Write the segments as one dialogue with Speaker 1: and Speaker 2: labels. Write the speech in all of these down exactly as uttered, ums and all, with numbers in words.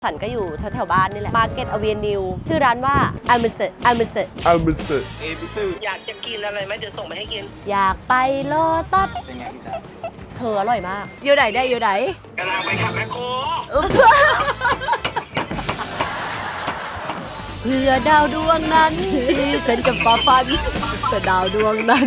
Speaker 1: ฉันก็อยู่แถวๆบ้านนี่แหละ Market Avenue ชื่อร้านว่า a m i s e a m i s e
Speaker 2: a m i s e
Speaker 3: เอพิซึอยากจะกินอะไรไหมเดี๋ยวส่งไปให้กิน
Speaker 1: อยากไปโลตัส
Speaker 3: เป็นไงพี่จ๊ะ
Speaker 1: เธออร่อยมาก อยู่ไหนได้อยู่ไหน
Speaker 3: กำลังไปขับแมคโคร
Speaker 1: เพื่อดาวดวงนั้นที่ฉันกับฟ้าฟันเพื่อดาวดวงนั้น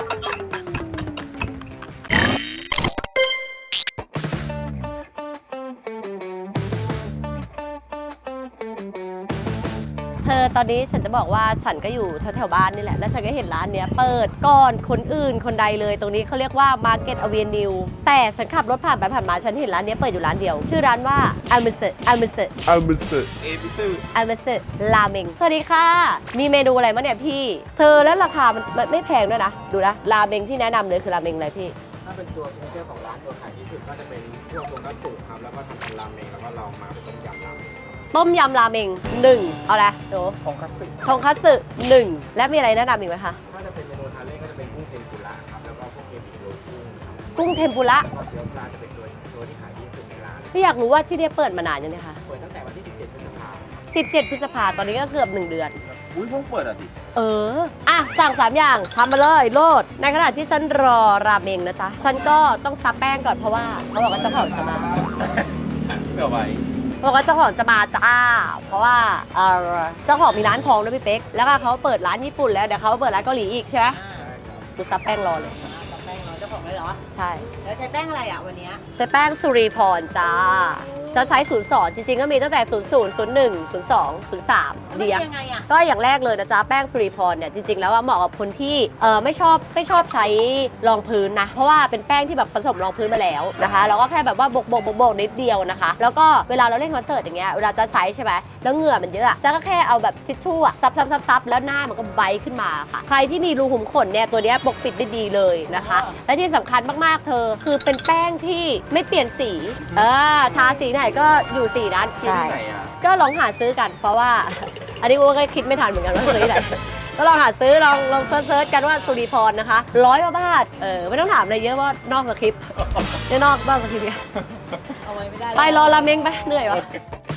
Speaker 1: เธอตอนนี้ฉันจะบอกว่าฉันก็อยู่แถวๆบ้านนี่แหละแล้วฉันก็เห็นร้านเนี้ยเปิดก่อนคนอื่นคนใดเลยตรงนี้เขาเรียกว่า Market Avenue แต่ฉันขับรถผ่านไปผ่านมาฉันเห็นร้านเนี้ยเปิดอยู่ร้านเดียวชื่อร้านว่า a m i s e a m i s e
Speaker 2: a m i s e
Speaker 3: เอพิซึ
Speaker 1: a m i s e ราเมงสวัสดีค่ะมีเมนูอะไรมั้งเนี่ยพี่เธอแล้วราคามันไม่แพงด้วยนะดูนะราเมงที่แนะนำเลยคือราเมงอะไรพี่
Speaker 4: ถ้าเป็นตัวซิกเนเจอร์ของร้านตัวขายที่สุดก็จะเป็นพวกตัวกัตสึครับแล้วก็ทำเป็นราเมงแล้วก็ลองมาเป็นต้มยำราเมง
Speaker 1: ต้มยำราเมงหนึ่งเอาละโด
Speaker 4: ของกัตสึ
Speaker 1: ทงคัตสึหนึ่งและมีอะไรแนะนำอีกไหมคะ
Speaker 4: ถ้าจะเป็นเมนูทานเล่นก็จะเป็นกุ้งเทมปุระครับแล้วก็พวกเกมิโรกุ้งครับ
Speaker 1: กุ้งเทมปุระ
Speaker 4: แล้วก็เกี๊ยวปลาจะเป็นตัวตัวที่ขายดีที่สุดในร้าน
Speaker 1: พี่อยากรู้ว่าที่นี่เปิดมานานยังไงคะ
Speaker 4: เปิดตั้งแต่วันที่สิบเจ็ดพฤษภาคม
Speaker 1: สิบเจ็ดพฤษภาตอนนี้ก็เกือบหนึ่งเดือน
Speaker 3: อุ้ยเพิ่งเปิดอ่ะดิ
Speaker 1: เอออ่ะสั่งสามอย่างทำมาเลยโลดในขณะที่ฉันรอราเมงนะจ๊ะฉันก็ต้องซับแป้งก่อนเพราะว่าเขาบอกว่าเจ้าของจะมา
Speaker 3: เผื่อไว้
Speaker 1: บอกว่าเจ้าของจะมาจ้าเพราะว่าเออเจ้าของมีร้านทองด้วยพี่เป๊กแล้วก็เขาเปิดร้านญี่ปุ่นแล้วเดี๋ยวเขาเปิดร้านเกาหลีอีกใช่ไหมกูซับแป้งรอเลย
Speaker 5: ซับแป้งเราเจ้าของเลยเหรอ
Speaker 1: ใช่
Speaker 5: แล้วใช้แป้งอะไรอ่ะวันเนี้ย
Speaker 1: ใช้แป้งสุริพรจ้าจะใช้ศูนย์สองจริงๆก็มีตั้งแต่ศูนย์ ศูนย์ ศูนย์ หนึ่ง ศูนย์ สอง ศูนย์ สาม
Speaker 5: มัน
Speaker 1: เดีย
Speaker 5: เป็นยังไงอ่ะ
Speaker 1: ก็อย่างแรกเลยนะจ๊ะแป้งสุริพรเนี่ยจริงๆแล้วว่าเหมาะกับคนที่เออไม่ชอบไม่ชอบใช้รองพื้นนะเพราะว่าเป็นแป้งที่แบบผสมรองพื้นมาแล้วนะคะแล้วก็แค่แบบว่าโบกโบกโบกโบกนิดเดียวนะคะแล้วก็เวลาเราเล่นคอนเสิร์ตอย่างเงี้ยเวลาจะใช้ใช่ไหมแล้วเหงื่อมันเยอะอะจ๊ะก็แค่เอาแบบทิชชู่อะซับซับซับซับแล้วหน้ามันก็ไบขึ้นมาค่ะใครที่มีรูขุมขนเนี่ยตัวเนี้ยปกปิดได้ดีเลยนะคะและที่สำคัญมากๆเธอคือเป็นแป้งที่ไม่เปลี่ยนสีเออทาสีไหนก็อยู่สีนั้น
Speaker 3: ชื่อที่ไหนอ่ะ
Speaker 1: ก็ลองหาซื้อกันเพราะว่า อันนี้กูก็คิดไม่ทันเหมือนกันว่าซื้อที่ไหน ก็ลองหาซื้อลองลองเซิร์ชกันว่าสุริพรนะคะร้อยกว่าบาทเออไม่ต้องถามอะไรเยอะว่านอกสคริปต์เนี่ยนอกบ้างสคริปต์เนี่ย
Speaker 5: เอาไว้ไม่ได้
Speaker 1: ไปรอราเมงไปเหนื่อยวะ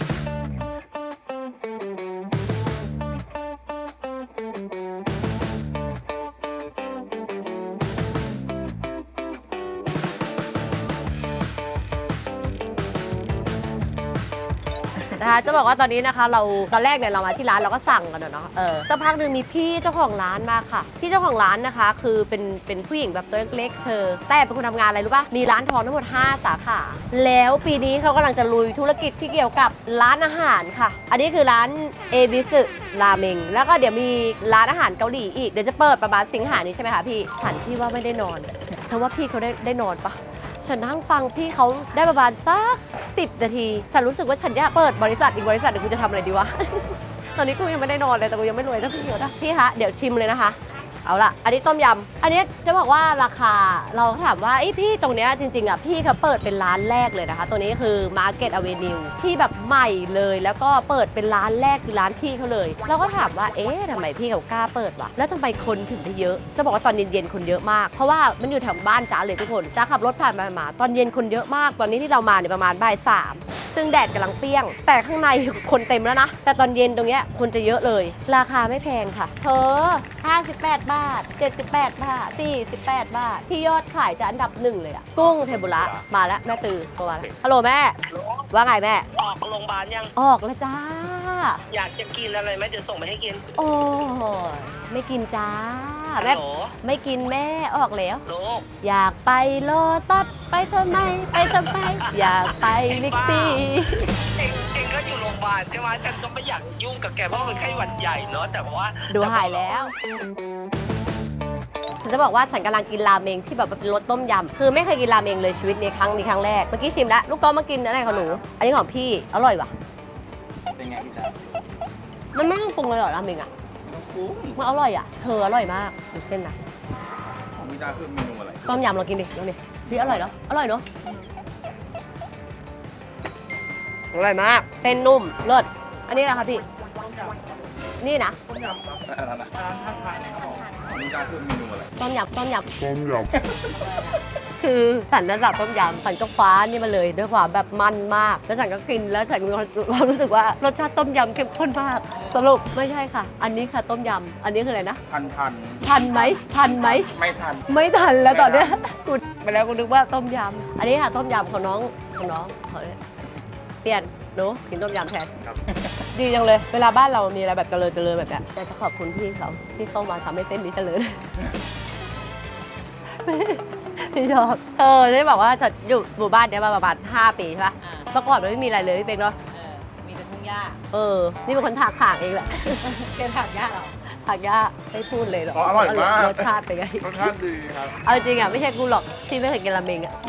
Speaker 1: นะคะจะบอกว่าตอนนี้นะคะเราตอนแรกเนี่ยเรามาที่ร้านเราก็สั่งกันอะเนาะเออสักพักหนึ่งมีพี่เจ้าของร้านมาค่ะพี่เจ้าของร้านนะคะ คือเป็นเป็นผู้หญิงแบบตัวเล็กๆเธอแต่เป็นคนทำงานอะไรรู้ป่ะมีร้านทองทั้งหมดห้าสาขาแล้วปีนี้เขากำลังจะลุยธุรกิจที่เกี่ยวกับร้านอาหารค่ะอันนี้คือร้านเอบิสึราเมงแล้วก็เดี๋ยวมีร้านอาหารเกาหลีอีกเดี๋ยวจะเปิดประมาณสิงหานี้ใช่ไหมคะพี่ฉันพี่ว่าไม่ได้นอนเธอว่าพี่เขาได้ได้นอนปะฉันนั่งฟังพี่เขาได้ประมาณสักสิบนาทีฉันรู้สึกว่าฉันอยากเปิดบริษัทอีกบริษัทเดี๋ยวกูจะทำอะไรดีวะ ตอนนี้กูยังไม่ได้นอนเลยแต่กูยังไม่รวยสักทีเดียวนะพี่คะเดี๋ยวชิมเลยนะคะเอาล่ะอันนี้ต้มยำอันนี้จะบอกว่าราคาเราถามว่าไอ้พี่ตรงเนี้ยจริงๆอ่ะพี่เขาเปิดเป็นร้านแรกเลยนะคะตัวนี้คือ Market Avenue ที่แบบใหม่เลยแล้วก็เปิดเป็นร้านแรกคือร้านพี่เขาเลยเราก็ถามว่าเอ๊ะทำไมพี่เขากล้าเปิดวะแล้วทำไมคนถึงได้เยอะจะบอกว่าตอนเย็นๆคนเยอะมากเพราะว่ามันอยู่แถวบ้านจ้าเลยทุกคนจ้าขับรถผ่านไปมาตอนเย็นคนเยอะมากตอนนี้ที่เรามาเนี่ยประมาณบ่ายสามซึ่งแดดกำลังเปรี้ยงแต่ข้างในคนเต็มแล้วนะแต่ตอนเย็นตรงเนี้ยคนจะเยอะเลยราคาไม่แพงค่ะเธอห้าสิบแปดบาทเจ็ดสิบแปดบาทสี่สิบแปดบาทที่ยอดขายจะอันดับหนึ่งเลยอะกุ้งเทมปุระมาแล้วแม่ตือตัวแล้วฮัลโหลแม่ว่าไงแม่
Speaker 3: ออกโรงพยาบาลยัง
Speaker 1: ออกแล้วจ้า
Speaker 3: อยากจะกินอะไรไหมเดี๋ยวส่งไปให้กิน
Speaker 1: โอ้ยไม่กินจ้า
Speaker 3: ฮัล
Speaker 1: แม่
Speaker 3: โหล
Speaker 1: ไม่กินแม่ออกแล้ว
Speaker 3: ลูก
Speaker 1: อยากไปโลตัสไปทำไมไปทำไมอยากไปบิ๊กซี
Speaker 3: เองเองก็อยู่โรงพยาบาลใช่ไหมฉันก็ไม่อยากยุ่งกับแกเพราะมันเป็นไข้หวัดใหญ่เนาะแต่ว่า
Speaker 1: ดูหายแล้วฉันจะบอกว่าฉันกำลังกินราเมงที่แบบเป็นรสต้มยำคือไม่เคยกินราเมงเลยชีวิตนี้ครั้งนี้ครั้งแรกเมื่อกี้ชิมแล้วลูกก้อมากินอะไรของหนูอันนี้ของพี่อร่อยว่ะ
Speaker 4: เป็นไงพี่จ๊ะ
Speaker 1: มันไม่ต้องปรุงเลยเหรอราเมงอ่ะ
Speaker 4: กุ้ง
Speaker 1: มันอร่อยอ่ะเธออร่อยมากดูเส้นนะ
Speaker 4: ของพี่จ๊ะคือเมนูอะไร
Speaker 1: ต้มยำเรากินดิลองดิพี่อร่อยเนาะอร่อยเนาะอร่อยมากเส้นนุ่มเลิศอันนี้อะไรคะพี่นี่นะ
Speaker 4: ต้มยำครับอะไรนะร้านท่าทางนะครับผมของพี่จ๊ะคือเมนูอะไร
Speaker 1: ต้มยำต้มยำ
Speaker 2: ต้มยำ
Speaker 1: คือฉันนั้นสั่งต้มยำฉันก็คว้านี่มาเลยด้วยความแบบมันมากแล้วฉันก็กินแล้วฉันมีความรู้สึกว่ารสชาติต้มยำเข้มข้นมากสรุปไม่ใช่ค่ะ อันนี้ค่ะต้มยำอันนี้คืออะไรนะ
Speaker 4: ทันทัน
Speaker 1: ทันไหมทันไหม
Speaker 4: ไม่ทัน
Speaker 1: ไม่ทันแล้วตอนเนี้ยกูไปแล้วกูนึกว่าต้มยำอันนี้ค่ะต้มยำของน้องของน้องเขาเนี่ยเปลี่ยนหนูกินต้มยำแทน
Speaker 4: ครับ
Speaker 1: ดีจังเลย เวลาบ้านเรามีอะไรแบบเจริญเจริญแบบเนี้ยอยากจะขอบคุณพี่เขาที่เข้ามาทำให้เส้นนี้เจริญ พี่ชอบเออได้บอกว่าจะอยู่หมู่บ้านเนี้ยมาประมาณห้าปีใช่ปะ
Speaker 5: อ่า
Speaker 1: เมื่อก่อนมันไม่มีอะไรเลยพี่เป็นเนาะ
Speaker 5: เออมีแต่ทุ่งหญ้า
Speaker 1: เออนี่เป็นคนถากถางเองแหละ
Speaker 5: เกณฑ์ถักหญ้าเหรอ
Speaker 1: ถากยากไม่พูดเลยหรอก
Speaker 4: อ๋ออร่อยมาก
Speaker 1: รสชาติเป็นไง
Speaker 4: รสชาติดีครับ
Speaker 1: เอาจริงอ่ะไม่ใช่กูหรอกที่ไม่เคยกินราเมงอ่ะ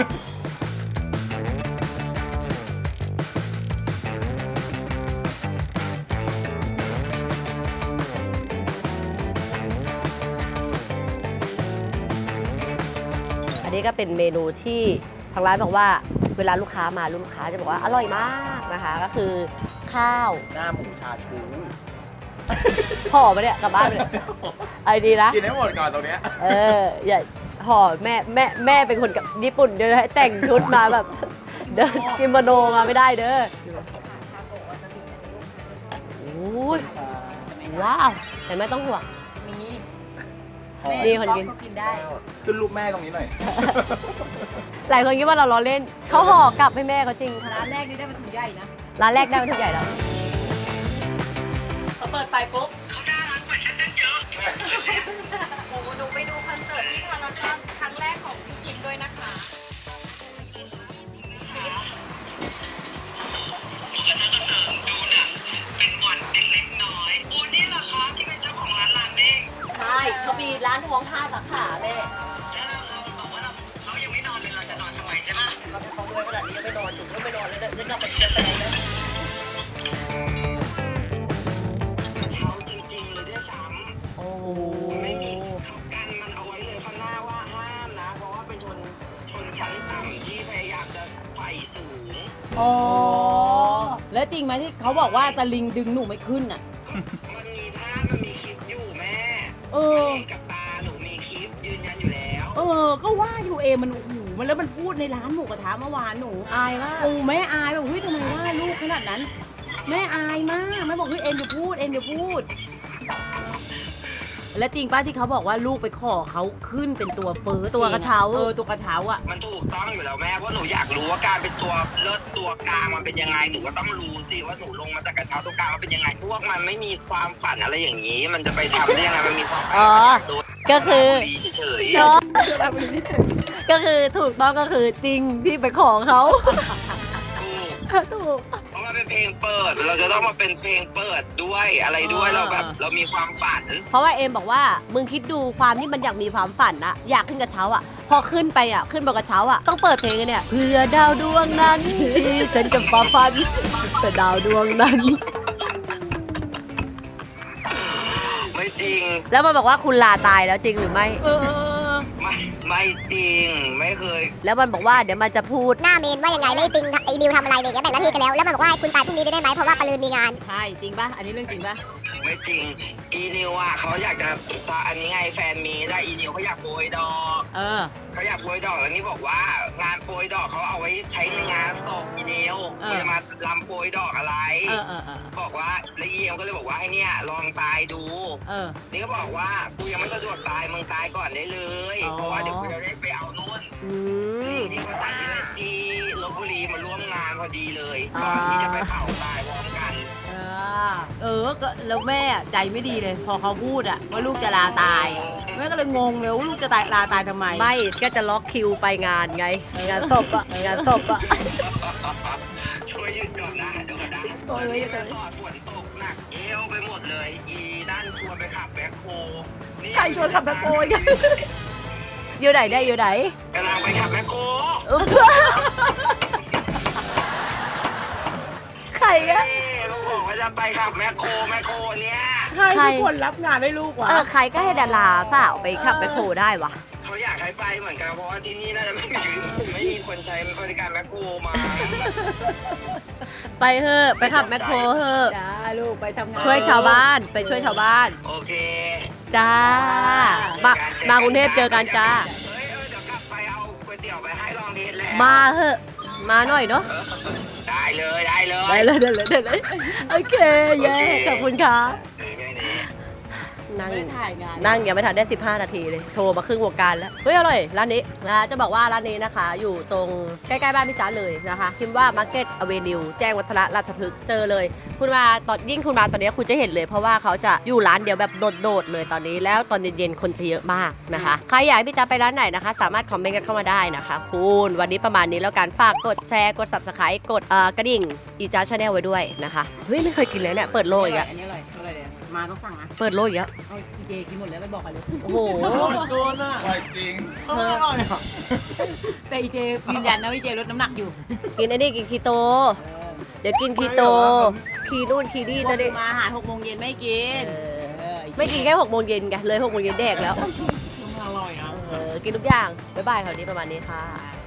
Speaker 1: อันนี้ก็เป็นเมนูที่ทางร้านบอกว่าเวลาลูกค้ามาลูกค้าจะบอกว่าอร่อยมากนะคะ ก็คือข้าว
Speaker 4: หน้าหมูชาชู
Speaker 1: ห่อมาเนี่ยกลับบ้านไปเนี่ยไอ้ดีนะ
Speaker 4: กินให้หมดก่อนตรงเนี้ย
Speaker 1: เอออย่าห่อแม่แม่แม่เป็นคนกับญี่ปุ่นเดินให้แต่งชุดมาแบบ เดินกิโมโนมาไม่ได้เด้อโอ้ยว้าวเห็นไหมต้องห่วง
Speaker 5: มี
Speaker 1: มีคนกิน
Speaker 5: ก็กินได้
Speaker 4: ขึ้นรูปแม่ตรงนี้หน่อย
Speaker 1: หลายคนคิดว่าเราล้อเล่นเขาห่อกลับให้แม่เขาจริง
Speaker 5: ร้านแรกนี่ได้มาถุงใหญ่นะ
Speaker 1: ร้านแรกได้มาทุกใหญ่แล้ว
Speaker 5: พอเปิดไฟปุ๊บ
Speaker 3: เขาน่ารักกว่าฉันตั้งเยอะ
Speaker 2: โอ้โหหนูไปดูคอนเสิร์ตที่พารากอนครั้งแรกของพี่คิมด้วยนะคะ
Speaker 3: ดูหนังเป็นหวัดเป็นเล็กน้อยโอ้นี่เหรอคะที่เป็นเจ้าของร้านราเมง
Speaker 1: ใช่เขามีร้านท้องห้าสาขาแม่
Speaker 3: แล้วเราเราบอกว่าเราเขายังไม่นอนเลยเราจะนอนทำไมใช่ปะ
Speaker 1: เราเป็นของรวยขนาดนี้ยังไม่นอนอยู่ก็ไม่นอนเลยเดี๋ยวจะไปเดินไปไหนนะ
Speaker 3: เขาจริงๆเลยด้วยซ้
Speaker 1: โอ้โห
Speaker 3: ำไม่มีเขากันมันเอาไว้เลยข้างหน้าว่าห้ามนะ เพราะว่าเป็นชนชนชั้นต่ำที่พยายามจะไฟสูง
Speaker 5: อ๋อ แล้วจริงไหมที่เขาบอกว่าสลิงดึงหนูไม่ขึ้นอ่ะ
Speaker 3: มันมีภาพมันมีคลิปอยู่แม่
Speaker 5: เออ
Speaker 3: มันเห็นกับตาหนูมีคลิปยืนยันอยู่แล้ว
Speaker 5: เออ ก็ว่าอยู่เอมันโอ้โหมันแล้วมันพูดในร้านหมูกระทะเมื่อวานหนู
Speaker 1: อายมาก
Speaker 5: โอ้แม่อายแบบเฮ้ยทำไมว่าลูกขนาดนั้น แม่อายมากแม่บอกเฮ้ยเอ็มอย่าพูดเอ็มอย่าพูด แล้วจริงป้าที่เขาบอกว่าลูกไปขอเขาขึ้นเป็นตัวเฟิร์ส
Speaker 1: ตัวกระเช้า
Speaker 5: เออตัวกระเช้าอ่ะ
Speaker 3: มันถูกต้องอยู่แล้วแม่เพราะหนูอยากรู้ว่าการเป็นตัวเลิศตัวกลางมันเป็นยังไงหนูก็ต้องรู้สิว่าหนูลงมาจากกระเช้าตัวกลางมันเป็นยังไงพวกมันไม่มีความฝันอะไรอย่างนี้ มันจะไปทำได้ยังไงมันมีความฝัน
Speaker 1: อ๋อ
Speaker 3: มันอยากโดน
Speaker 1: ก็คือ
Speaker 3: ดีเฉยๆ
Speaker 1: เนาะก็คือถูกต้องก็คือจริงที่ไปขอเขา ถูก
Speaker 3: เพราะมันเป็นเพลงเปิด เราจะต้องมาเป็นเพลงเปิดด้วยอะไรด้วย
Speaker 5: อ่า
Speaker 3: เราแบบ เรามีความฝัน
Speaker 1: เพราะว่าเอมบอกว่ามึงคิดดูความที่มันอยากมีความฝันอะอยากขึ้นกระเช้าอะพอขึ้นไปอะขึ้นบนกระเช้าอะต้องเปิดเพลงเนี่ยเพื่อดาวดวงนั้นที่ฉันจะฝ่าฟันเพื่อดาวดวงนั้น
Speaker 3: ไม่จริง
Speaker 1: แล้วมันบอกว่าคุณลาตายแล้วจริงหรือไม่
Speaker 5: เออ
Speaker 3: ไม่ไม่จริงไม่เคย
Speaker 1: แล้วมันบอกว่าเดี๋ยวมันจะพูด
Speaker 6: หน้าเมนว่ายังไงแล้วไอ้ติงไอ้นิวทำอะไรอะไรอย่างเงี้ยแบ่งหน้าที่กันแล้ว แล้วมันบอกว่าให้คุณตายพรุ่งนี้ได้ไหมเพราะว่าปะลืนมีงาน
Speaker 5: ใช่จริงป่ะ อันนี้เรื่องจริงป่ะ
Speaker 3: ไม่จริงอีนิวอ่ะเขาอยากจะอันนี้ไงแฟนมีได้อีนิวเขาอยากโปรยดอก
Speaker 5: เออ
Speaker 3: เขาอยากโปรยดอกแล้วนี่บอกว่างานโปรยดอกเขาเอาไว้ใช้ในงานศพอีนิว
Speaker 5: เออ
Speaker 3: คุณจะมาลำโปรยดอกอะไร
Speaker 5: เออเออเออ
Speaker 3: บอกว่าแล้วอีเอ็มก็เลยบอกว่าให้เนี่ยลองตายดู
Speaker 5: เออ
Speaker 3: นี่ก็บอกว่ากูยังไม่สะดวกตายมึงตายก่อนได้เลย
Speaker 5: อ๋อ
Speaker 3: เพราะว่าเดี๋ยวกูจะได้ไปเอานู่น
Speaker 1: อืม
Speaker 3: ที่เขาตัดที่ที่ลบบุรีมาร่วมงานพอดีเลย
Speaker 1: อ่า
Speaker 3: ก่อนที่จะไปเผาตายพร้อมกัน
Speaker 5: เออ เออ ก็แล้วแม่ใจไม่ดีเลย พอเขาพูดอะว่าลูกจะลาตาย แม่ก็เลยงงเลยว่าลูกจะตายลาตายทำไม
Speaker 1: ไม่ก็จะล็อกคิวไปงานไง งานศพอะงานศพอะ
Speaker 3: ช่วยหยุดก่อนนะเดี๋ยวก่อนนะตอนนี้แม่สอดฝนตกหนักเอวไปหมดเลย อีนั่นชวนไปขับแบ็คโฮนี่
Speaker 5: ใครชวนขับแบ็คโฮอีก
Speaker 1: อยู่ไหนได้อยู่ไหน
Speaker 3: กำลังไปขับแบ็คโฮ
Speaker 1: ใครอะ
Speaker 3: เอ้ยเขาบอกว่าจะไปขับแบ็คโฮแบ็คโฮเนี่ย
Speaker 5: ใครเป็นคนรับงานให้ลูกวะ
Speaker 1: เออใครก็ให้ดาราสาวไปขับไปโคได้วะ
Speaker 3: เขาอยากให้ไปเหมือนกันเพราะว่าที่นี่น่าจะไม่มีไม่มีคนใช้บริการแบ็คโฮมา
Speaker 1: ไปเถอะไปขับแมคโครเถอะ
Speaker 5: จ้าลูกไปทำงาน
Speaker 1: ช่วยชาวบ้านไปช่วยชาวบ้าน
Speaker 3: โอเค
Speaker 1: จ้า มา มากรุงเทพเจอกันจ้า
Speaker 3: เฮ้ยเออเดี๋ยวกลับไปเอา
Speaker 1: มาเหอะมาหน่อยเนาะ
Speaker 3: เออได้เลยได้เลย
Speaker 1: ได้เลยได้เลยได้เลยโอเคเย้ขอบคุณค่ะ
Speaker 3: เออแค่นี้
Speaker 1: นั่ง
Speaker 5: ไม่ได้ถ่ายงาน
Speaker 1: นั่งยังไม่ทันได้สิบห้านาทีเลยโทรมาครึ่งวงการแล้วเฮ้ยอร่อยร้านนี้นะจะบอกว่าร้านนี้นะคะ อยู่ตรงใกล้ๆบ้านพี่จ๋าเลยนะคะพิมพ์ว่า Market Avenue แจ้งวัฒนะราชพฤกษ์เจอเลย คุณมาตอนยิ่งคุณมาตอนนี้คุณจะเห็นเลยเพราะว่าเขาจะอยู่ร้านเดียวแบบโดดๆเลยตอนนี้แล้วตอนเย็นๆคนจะเยอะมากนะคะใครอยากให้พี่จ๋าไปร้านไหนนะคะ สามารถคอมเมนต์กันเข้ามาได้นะคะคุณวันนี้ประมาณนี้แล้วกันฝากกดแชร์กด Subscribe กดเอ่อกระดิ่งอีจ้าชาแนลไว้ด้วยนะคะเฮ้ยไม่เคยกินเลยเนี่ยเปิดโลกอีกแล้ว
Speaker 5: อันนี้อร่อยอร่อยเลยมาต้องสั่งนะ
Speaker 1: เปิดโลกอีกแล้ว
Speaker 5: เอาพี่เจกินหมดแล้วไม่บอกใครเลย
Speaker 1: โอ้โห
Speaker 4: โดนอ่ะอร่อยจริงอร่อยอ่ะ
Speaker 5: แต่อีเจยืนยันนะว่าอีเจลดน้ำหนักอยู่
Speaker 1: กินไอ้นี่กินคีโต เดี๋ยวกินคีโต คีนู่นคีนี่
Speaker 5: ต
Speaker 1: ต
Speaker 5: อ
Speaker 1: อน น
Speaker 5: นี้
Speaker 1: นี้
Speaker 5: มาหาหกโมงเย็นไม่กิน
Speaker 1: เออ
Speaker 5: เออ
Speaker 1: ไม่กินแค่หกโมงเย็นไงเลยหกโมงเย็นแดกแล้ว
Speaker 4: อร่อยอ่ะ
Speaker 1: เออ กินทุกอย่าง บ๊ายบายคราวนี้ประมาณนี้ค่ะ
Speaker 5: ใช่